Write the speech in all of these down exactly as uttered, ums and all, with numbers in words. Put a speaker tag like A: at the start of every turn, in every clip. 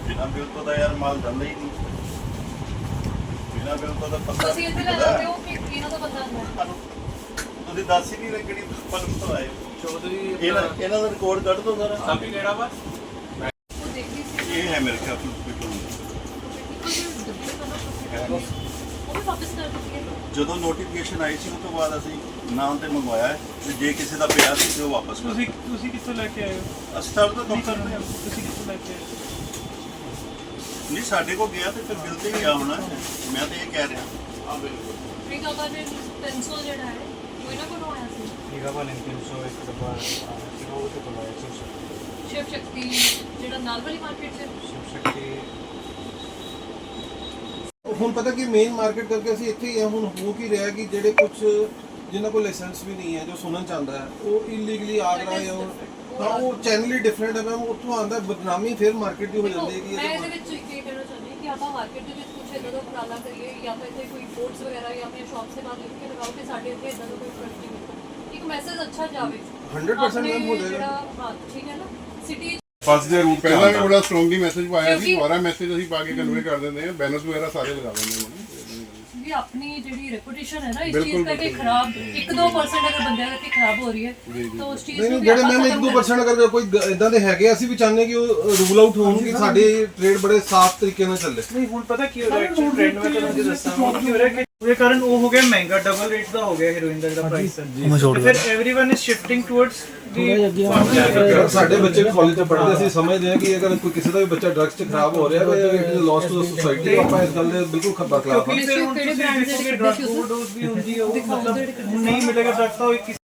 A: ਬਿਨਾਂ ਬਿਲ ਤੋਂ ਤਾਂ ਯਾਰ ਮਾਲ ਜਾਂਦਾ ਹੀ ਨਹੀਂ। ਬਿਨਾਂ ਬਿਲ ਤੋਂ ਤਾਂ ਪਤਾ
B: ਤੁਸੀਂ ਇੱਥੇ ਲੈ ਜਾਂਦੇ ਹੋ ਕਿ ਇਹਨਾਂ ਦਾ ਬੰਦਾ ਹੁੰਦਾ?
A: ਤੁਸੀਂ ਦੱਸ ਹੀ ਨਹੀਂ ਰਹੇ ਕਿਹੜੀ ਫਰਮ ਤੋਂ ਆਏ
C: ਚੌਧਰੀ
A: ਇਹਨਾਂ ਇਹਨਾਂ ਦਾ ਰਿਕਾਰਡ ਕੱਢ ਦੋ ਸਾਰਾ।
C: ਸਾਬੀ ਕਿਹੜਾ ਵਾ?
B: ਉਹ ਦੇਖ ਲਈ ਸੀ
A: ਇਹ ਹੈ ਮੇਰੇ ਖਿਆਲ ਹਸਪੀਟਲ
B: ਉਹ ਵੀ ਵਾਪਸ ਕਰ ਦਿੱਤੀ ਹੈ।
A: ਜਦੋਂ ਨੋਟੀਫਿਕੇਸ਼ਨ ਆਈ ਸੀ ਉਸ ਤੋਂ ਬਾਅਦ ਅਸੀਂ ਨਾਮ ਤੇ ਮੰਗਵਾਇਆ ਹੈ ਤੇ ਜੇ ਕਿਸੇ ਦਾ ਪਿਆ ਸੀ ਤੇ ਉਹ ਵਾਪਸ ਕਰ
C: ਤੁਸੀਂ ਤੁਸੀਂ ਕਿੱਥੋਂ ਲੈ ਕੇ ਆਏ ਹੋ?
A: ਅਸੀਂ ਤਾਂ ਕੰਮ ਕਰਦੇ ਹਾਂ।
C: ਤੁਸੀਂ ਕਿੱਥੋਂ ਲੈ ਕੇ ਆਏ ਹੋ?
A: ਨਹੀਂ ਸਾਡੇ ਕੋਲ ਗਿਆ ਤੇ ਫਿਰ ਬਿਲ ਤੇ ਗਿਆ ਹੋਣਾ। ਮੈਂ ਤਾਂ ਇਹ ਕਹਿ ਰਿਹਾ।
C: ਹਾਂ ਬਿਲਕੁਲ।
B: ਠੀਕ ਆ ਜੀ ਤਿੰਨ ਸੌ ਜਿਹੜਾ ਹੈ ਉਹ ਇਹਨਾਂ ਕੋਲੋਂ ਆਇਆ ਸੀ।
C: ਠੀਕ ਆ ਬਣੇ ਤਿੰਨ ਸੌ ਇੱਕ ਡੱਬਾ ਕਿਹੋ ਤੇ ਕੋਲ ਆਇਆ ਸੀ।
B: ਸ਼ਿਵ ਸ਼ਕਤੀ ਜਿਹੜਾ ਨਾਲ ਵਾਲੀ ਮਾਰਕੀਟ 'ਚ
C: ਸ਼ਿਵ ਸ਼ਕਤੀ
D: ਹੁਣ ਪਤਾ ਕਿ ਮੇਨ ਮਾਰਕੀਟ ਕਰਕੇ ਅਸੀਂ ਇੱਥੇ ਹੀ ਆ। ਹੁਣ ਹੋ ਕੀ ਰਿਹਾ ਕਿ ਜਿਹੜੇ ਕੁਝ ਜਿਨ੍ਹਾਂ ਕੋਲ ਲਾਇਸੈਂਸ ਵੀ ਨਹੀਂ ਹੈ ਜੋ ਸੁਣਨ ਚਾਹੁੰਦਾ ਹੈ ਉਹ ਇਲੀਗਲੀ ਆ ਰਿਹਾ ਹੈ। ਉਹ ਹਾਂ ਉਹ ਚੈਨਲ ਹੀ ਡਿਫਰੈਂਟ ਹੈ ਮੈਮ। ਉੱਥੋਂ ਆਉਂਦਾ ਬਦਨਾਮੀ ਫਿਰ ਮਾਰਕੀਟ ਦੀ ਹੋ ਜਾਂਦੀ ਹੈ ਕਿ
B: ਮੈਂ ਇਹਦੇ ਵਿੱਚ ਇਹ ਕਹਿਣਾ ਚਾਹੁੰਦੀ ਹਾਂ ਕਿ ਆਪਾਂ ਮਾਰਕੀਟ ਦੇ ਵਿੱਚ ਕੁਝ ਇੱਦਾਂ ਦਾ ਉਪਰਾਲਾ ਕਰੀਏ ਜਾਂ ਫਿਰ ਇੱਥੇ ਕੋਈ ਬੋਰਡਸ ਵਗੈਰਾ ਜਾਂ ਆਪਣੀ ਸ਼ਾਪਸ ਦੇ ਬਾਹਰ ਲਿਖ ਕੇ ਲਗਾਓ ਕਿ ਸਾਡੇ ਇੱਥੇ ਇੱਦਾਂ ਦਾ ਕੋਈ ਪ੍ਰੋਡਕਟ ਨਹੀਂ ਮਿਲਦਾ। ਇੱਕ ਮੈਸੇਜ ਅੱਛਾ ਜਾਵੇ
D: ਹੰਡਰਡ ਪਰਸੈਂਟ ਮੈਮ ਹੋ ਜਾਏਗਾ।
B: ਜਿਹੜਾ ਹਾਂ ਠੀਕ ਹੈ ਨਾ ਸਿਟੀ
E: ਬੱਸ ਦੇ ਰੂਟ ਪਹਿਲਾਂ ਵੀ ਬੜਾ ਸਟਰੋਂਗਲੀ ਮੈਸੇਜ ਪਾਇਆ ਸੀ।
B: ਕਿਉਂਕਿ-
E: ਦੁਬਾਰਾ ਮੈਸੇਜ ਅਸੀਂ ਪਾ ਕੇ ਕਨਵੇ ਕਰ ਦਿੰਦੇ ਹਾਂ। ਬੈਨਰਸ ਵਗੈਰਾ ਸਾਰੇ ਲਗਾ ਦਿੰਦੇ ਹਾਂ।
B: ਵੀ ਆਪਣੀ ਜਿਹੜੀ ਰੈਪੂਟੇਸ਼ਨ ਹੈ ਨਾ ਇਸ
E: ਬਿਲਕੁਲ,
B: ਚੀਜ਼ ਕਰਕੇ ਖਰਾਬ ਇੱਕ ਦੋ ਪਰਸੈਂਟ ਅਗਰ ਬੰਦਿਆਂ ਕਰਕੇ ਖਰਾਬ ਹੋ ਰਹੀ ਹੈ ਤਾਂ ਉਸ ਚੀਜ਼
D: ਨਹੀਂ
B: ਨੂੰ
D: ਨਹੀਂ
B: ਵੀ
D: ਜਿਹੜੇ
B: ਆਪਾਂ
D: ਮੈਮ ਇੱਕ
B: ਖਤਮ
D: ਦੋ
B: ਕਰਨਾ।
D: ਪਰਸੈਂਟ ਅਗਰ ਕੋਈ ਇਦਾਂ ਦੇ ਹੈਗੇ ਅਸੀਂ ਵੀ ਚਾਹੁੰਦੇ ਕਿ ਉਹ ਰੂਲ ਆਊਟ ਹੋਣ ਕਿ ਸਾਡੇ ਟ੍ਰੇਡ ਬੜੇ ਸਾਫ਼ ਤਰੀਕੇ ਨਾਲ ਚੱਲੇ।
F: ਨਹੀਂ ਹੁਣ ਪਤਾ ਕੀ ਹੋ ਰਿਹਾ ਐਕਚੁਅਲ ਟ੍ਰੈਂਡ ਮੈਂ ਤੁਹਾਨੂੰ ਜੀ ਦੱਸਾਂ ਹੁਣ ਕੀ ਹੋ ਰਿਹਾ ਕਿ ਉਹਦੇ ਕਾਰਨ ਉਹ ਹੋ ਗਿਆ ਮਹਿੰਗਾ ਡਬਲ ਰੇਟ ਦਾ ਹੋ ਗਿਆ ਹੀਰੋਇਨ ਦਾ ਜਿਹੜਾ ਪ੍ਰਾਈਸ ਹੈ ਤੇ ਫਿਰ एवरीवन ਇਜ਼ ਸ਼ਿਫਟਿੰਗ ਟੁਵਰਡਸ ਦੀ
D: ਸਾਡੇ ਬੱਚੇ ਕਾਲਜ 'ਚ ਪੜ੍ਹਦੇ ਅਸੀਂ ਸਮਝਦੇ ਹਾਂ ਕਿ ਅਗਰ ਕੋਈ ਕਿਸੇ ਦਾ ਵੀ ਬੱਚਾ ਡਰੱਗਸ 'ਚ ਖਰਾਬ ਹੋ ਰਿਹਾ ਹੈ it is loss to the society. ਆਪਾਂ ਇਸ ਗੱਲ ਦੇ ਬਿਲਕੁਲ ਖੱਬਾ ਖਿਲਾਫ ਹਾਂ।
F: ਕਿਉਂਕਿ ਫਿਰ ਹੁਣ ਤੁਸੀਂ ਦੇਖੋਗੇ ਡਰਗ ਓਵਰਡੋਜ਼ ਵੀ ਹੁੰਦੀ ਹੈ ਉਹ ਮਤਲਬ ਹੁਣ ਨਹੀਂ ਮਿਲੇਗਾ ਡਰਗ ਤਾਂ ਉਹ ਇੱਕ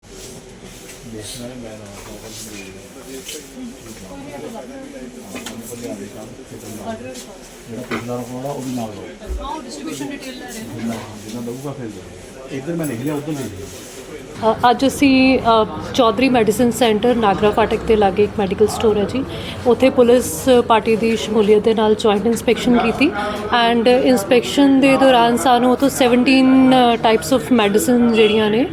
G: ਜਿਹੜਾ ਪਿਛਲਾ ਰੁਕਣਾ ਉਹ ਵੀ ਨਾਲ ਲਓ।
B: ਹਾਂ ਡਿਸਟ੍ਰੀਬਿਊਸ਼ਨ ਡਿਟੇਲ ਲੈ ਰਹੇ ਹਾਂ।
G: ਜਿੰਨਾ ਦਊਗਾ ਫਿਰ ਦੇ ਇੱਧਰ ਮੈਂ ਲਿਖ ਲਿਆ ਉੱਧਰ ਲਿਖ ਲਿਆ।
H: ਅ, ਅੱਜ ਅਸੀਂ ਅ, ਚੌਧਰੀ ਮੈਡੀਸਨ ਸੈਂਟਰ ਨਾਗਰਾ ਫਾਟਕ ਦੇ ਲਾਗੇ ਇੱਕ ਮੈਡੀਕਲ ਸਟੋਰ ਹੈ ਜੀ ਉੱਥੇ ਪੁਲਿਸ ਪਾਰਟੀ ਦੀ ਸ਼ਮੂਲੀਅਤ ਦੇ ਨਾਲ ਜੁਆਇੰਟ ਇਨਸਪੈਕਸ਼ਨ ਕੀਤੀ ਐਂਡ ਇਨਸਪੈਕਸ਼ਨ ਦੇ ਦੌਰਾਨ ਸਾਨੂੰ ਉੱਥੋਂ ਸੈਵਨਟੀਨ ਟਾਈਪਸ ਆਫ ਮੈਡੀਸਨ ਜਿਹੜੀਆਂ ਨੇ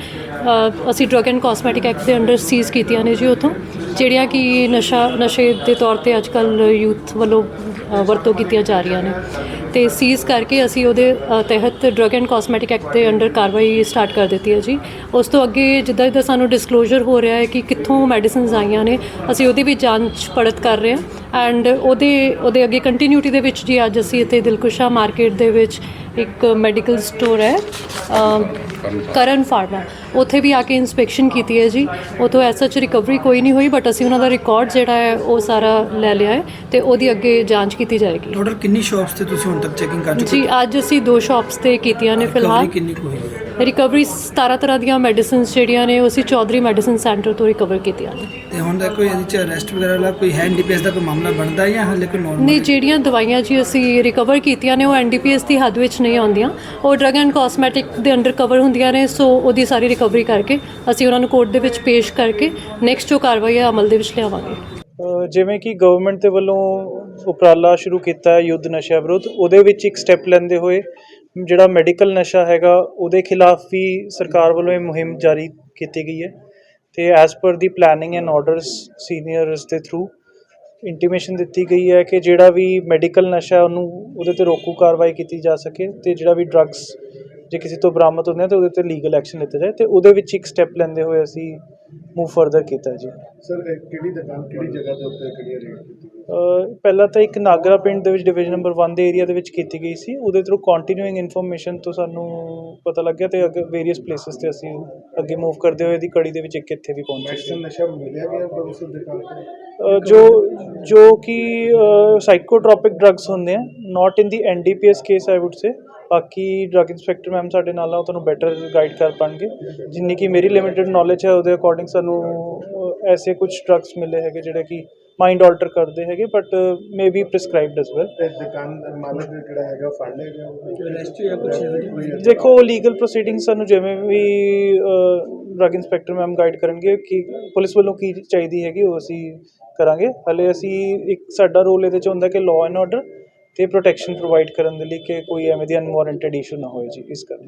H: ਅ, ਅਸੀਂ ਡਰੱਗ ਐਂਡ ਕਾਸਮੈਟਿਕ ਐਕਟ ਦੇ ਅੰਡਰ ਸੀਜ਼ ਕੀਤੀਆਂ ਨੇ ਜੀ ਉੱਥੋਂ ਜਿਹੜੀਆਂ ਕਿ ਨਸ਼ਾ ਨਸ਼ੇ ਦੇ ਤੌਰ ਤੇ ਅੱਜ ਕੱਲ੍ਹ ਯੂਥ ਵੱਲੋਂ ਅ, ਵਰਤੋਂ ਕੀਤੀਆਂ ਜਾ ਰਹੀਆਂ ਨੇ ਤੇ ਸੀਜ਼ ਕਰਕੇ ਅਸੀਂ ਉਹਦੇ ਅ, ਤਹਿਤ ਡਰੱਗ ਐਂਡ ਕਾਸਮੈਟਿਕ ਐਕਟ ਦੇ ਅੰਡਰ ਕਾਰਵਾਈ ਸਟਾਰਟ ਕਰ ਦਿੱਤੀ ਹੈ ਜੀ। ਉਸ ਤੋਂ ਅੱਗੇ ਜਿੱਦਾਂ ਜਿੱਦਾਂ ਸਾਨੂੰ ਡਿਸਕਲੋਜ਼ਰ ਹੋ ਰਿਹਾ ਹੈ ਕਿ ਕਿੱਥੋਂ ਮੈਡੀਸਿਨਸ ਆਈਆਂ ਨੇ ਅਸੀਂ ਉਹਦੀ ਵੀ ਜਾਂਚ ਪੜਤ ਕਰ ਰਹੇ ਹਾਂ ਐਂਡ ਉਹਦੇ ਉਹਦੇ ਅੱਗੇ ਕੰਟੀਨਿਊਟੀ ਦੇ ਵਿੱਚ ਜੀ ਅੱਜ ਅਸੀਂ ਇੱਥੇ ਦਿਲਕੁਸ਼ਾ ਮਾਰਕੀਟ ਦੇ ਵਿੱਚ ਇੱਕ ਮੈਡੀਕਲ ਸਟੋਰ ਹੈ ਅ, ਕਰਨ ਫਾਰਮਾ ਉੱਥੇ ਵੀ ਆ ਕੇ ਇਨਸਪੈਕਸ਼ਨ ਕੀਤੀ ਹੈ ਜੀ। ਉੱਥੋਂ ਐਸ ਸੱਚ ਰਿਕਵਰੀ ਕੋਈ ਨਹੀਂ ਹੋਈ ਬਟ ਅਸੀਂ ਉਹਨਾਂ ਦਾ ਰਿਕਾਰਡ ਜਿਹੜਾ ਹੈ ਉਹ ਸਾਰਾ ਲੈ ਲਿਆ ਹੈ ਤੇ ਉਹਦੀ ਅੱਗੇ ਜਾਂਚ ਕੀਤੀ ਜਾਏਗੀ।
I: ਟੋਟਲ ਕਿੰਨੀ ਸ਼ਾਪਸ ਤੇ ਤੁਸੀਂ ਹੁਣ ਤੱਕ ਚੈਕਿੰਗ ਕਰ ਚੁੱਕੇ
H: ਜੀ ਅੱਜ ਅਸੀਂ ਦੋ ਸ਼ਾਪਸ ਤੇ ਕੀਤੀਆਂ ਨੇ ਫਿਲਹਾਲ।
I: ਕਿੰਨੀ ਕੁ ਹੋਈ ਹੈ?
H: ਰਿਕਵਰੀ ਸਤਾਰਾਂ ਤਰ੍ਹਾਂ ਦੀਆਂ ਮੈਡੀਸਿਨਸ ਜਿਹੜੀਆਂ ਨੇ ਉਹ ਅਸੀਂ ਚੌਧਰੀ ਮੈਡੀਸਨ ਸੈਂਟਰ ਤੋਂ ਰਿਕਵਰ ਕੀਤੀਆਂ ਨੇ।
I: ਤੇ ਹੁਣ ਤੱਕ ਕੋਈ ਇਹਦੇ ਚ ਅਰੈਸਟ ਵਗੈਰਾ ਵਾਲਾ ਕੋਈ ਹੈ ਐਨਡੀਪੀਐਸ ਦਾ ਕੋਈ ਮਾਮਲਾ ਬਣਦਾ ਜਾਂ ਹਾਲੇ ਕੋਈ ਨੋਰਮਲ?
H: ਨਹੀਂ ਜਿਹੜੀਆਂ ਦਵਾਈਆਂ ਜੀ ਅਸੀਂ ਰਿਕਵਰ ਕੀਤੀਆਂ ਨੇ ਉਹ ਐਨਡੀਪੀਐਸ ਦੀ ਹੱਦ ਵਿੱਚ ਨਹੀਂ ਆਉਂਦੀਆਂ ਉਹ ਡਰੱਗ ਐਂਡ ਕਾਸਮੈਟਿਕ ਦੇ ਅੰਡਰ ਕਵਰ ਹੁੰਦੀਆਂ ਨੇ ਸੋ ਉਹਦੀ ਸਾਰੀ ਰਿਕਵਰੀ ਕਰਕੇ ਅਸੀਂ ਉਹਨਾਂ ਨੂੰ ਕੋਰਟ ਦੇ ਵਿੱਚ ਪੇਸ਼ ਕਰਕੇ ਨੈਕਸਟ ਜੋ ਕਾਰਵਾਈ ਹੈ ਅਮਲ ਦੇ ਵਿੱਚ ਲਿਆਵਾਂਗੇ।
F: ਅ, ਜਿਵੇਂ ਕਿ ਗਵਰਨਮੈਂਟ ਦੇ ਵੱਲੋਂ ਉਪਰਾਲਾ ਸ਼ੁਰੂ ਕੀਤਾ ਹੈ ਯੁੱਧ ਨਸ਼ਾ ਵਿਰੁੱਧ ਉਹਦੇ ਵਿੱਚ ਇੱਕ ਸਟੈਪ ਲੈਂਦੇ ਹੋਏ ਜਿਹੜਾ ਮੈਡੀਕਲ ਨਸ਼ਾ ਹੈਗਾ ਉਹਦੇ ਖਿਲਾਫ ਵੀ ਸਰਕਾਰ ਵੱਲੋਂ ਇਹ ਮੁਹਿੰਮ ਜਾਰੀ ਕੀਤੀ ਗਈ ਹੈ ਤੇ as per the planning and orders seniors ਦੇ ਥਰੂ ਇੰਟੀਮੇਸ਼ਨ ਦਿੱਤੀ ਗਈ ਹੈ ਕਿ ਜਿਹੜਾ ਵੀ ਮੈਡੀਕਲ ਨਸ਼ਾ ਉਹਨੂੰ ਉਹਦੇ ਤੇ ਰੋਕੂ ਕਾਰਵਾਈ ਕੀਤੀ ਜਾ ਸਕੇ ਤੇ ਜਿਹੜਾ ਵੀ ਡਰੱਗਸ ਜੇ ਕਿਸੇ ਤੋਂ ਬਰਾਮਦ ਹੁੰਦੇ ਆ ਤਾਂ ਉਹਦੇ ਤੇ ਲੀਗਲ ਐਕਸ਼ਨ ਲਿੱਤਾ ਜਾਏ ਤੇ ਉਹਦੇ ਵਿੱਚ ਇੱਕ ਸਟੈਪ ਲੈਂਦੇ ਹੋਏ ਅਸੀਂ ਮੂਵ ਫਰਦਰ ਕੀਤਾ ਜੀ।
E: ਸਰ ਕਿਹੜੀ ਦੁਕਾਨ ਕਿਹੜੀ ਜਗ੍ਹਾ ਦੇ ਉੱਤੇ ਕਿਹੜੀ ਰੇਟ ਕੀਤੀ
F: ਅ, ਪਹਿਲਾਂ ਤਾਂ ਇੱਕ ਨਾਗਰਾ ਪਿੰਡ ਦੇ ਵਿੱਚ ਡਿਵੀਜ਼ਨ ਨੰਬਰ ਵਨ ਦੇ ਏਰੀਆ ਦੇ ਵਿੱਚ ਕੀਤੀ ਗਈ ਸੀ ਉਹਦੇ ਥਰੂ ਕੰਟੀਨਿਊਇੰਗ ਇਨਫੋਰਮੇਸ਼ਨ ਤੋਂ ਸਾਨੂੰ ਪਤਾ ਲੱਗਿਆ ਤੇ ਅੱਗੇ ਵੇਰੀਅਸ ਪਲੇਸਿਸ ਤੇ ਅਸੀਂ ਅੱਗੇ ਮੂਵ ਕਰਦੇ ਹੋਏ ਦੀ ਕੜੀ ਦੇ ਵਿੱਚ ਇੱਕ ਇੱਥੇ ਵੀ ਪਹੁੰਚੇ ਸੀ।
E: ਨਸ਼ਾ ਮਿਲਿਆ ਗਿਆ ਉਸ ਦੁਕਾਨ ਤੇ?
F: ਅ, ਜੋ ਜੋ ਕਿ ਸਾਈਕੋਟ੍ਰੋਪਿਕ ਡਰੱਗਸ ਹੁੰਦੇ ਆ not in the NDPS case I would say ਬਾਕੀ ਡਰੱਗ ਇੰਸਪੈਕਟਰ ਮੈਮ ਸਾਡੇ ਨਾਲ ਆ ਉਹ ਤੁਹਾਨੂੰ ਬੈਟਰ ਗਾਈਡ ਕਰ ਪਾਉਣਗੇ ਜਿੰਨੀ ਕਿ ਮੇਰੀ ਲਿਮਿਟਿਡ ਨੌਲੇਜ ਹੈ ਉਹਦੇ ਅਕੋਰਡਿੰਗ ਸਾਨੂੰ ਅ, ਐਸੇ ਕੁਝ ਡਰੱਗਸ ਮਿਲੇ ਹੈਗੇ ਜਿਹੜੇ ਕਿ ਮਾਈਂਡ ਆਲਟਰ ਕਰਦੇ ਹੈਗੇ but may be prescribed as well.
E: ਦੁਕਾਨ ਦਾ ਮਾਲਕ ਜਿਹੜਾ ਹੈਗਾ ਫੜ ਲਿਆ ਗਿਆ
I: ਅਰੈਸਟ ਜਾਂ ਕੁਝ?
F: ਦੇਖੋ ਲੀਗਲ ਪ੍ਰੋਸੀਡਿੰਗਸ ਸਾਨੂੰ ਜਿਵੇਂ ਵੀ ਡਰੱਗ ਇੰਸਪੈਕਟਰ ਮੈਮ ਗਾਈਡ ਕਰਨਗੇ ਕਿ ਪੁਲਿਸ ਵੱਲੋਂ ਕੀ ਚਾਹੀਦੀ ਹੈਗੀ ਉਹ ਅਸੀਂ ਕਰਾਂਗੇ। ਹਾਲੇ ਅਸੀਂ ਇੱਕ ਸਾਡਾ ਰੋਲ ਇਹਦੇ 'ਚ ਹੁੰਦਾ ਕਿ ਲਾਅ ਐਂਡ ਆਰਡਰ ਤੇ ਪ੍ਰੋਟੈਕਸ਼ਨ ਪ੍ਰੋਵਾਈਡ ਕਰਨ ਦੇ ਲਈ ਕਿ ਕੋਈ ਐਵੇਂ ਦੀ ਅਨਵਾਰੰਟਡ ਇਸ਼ੂ ਨਾ ਹੋਏ ਜੀ ਇਸ ਕਰਕੇ।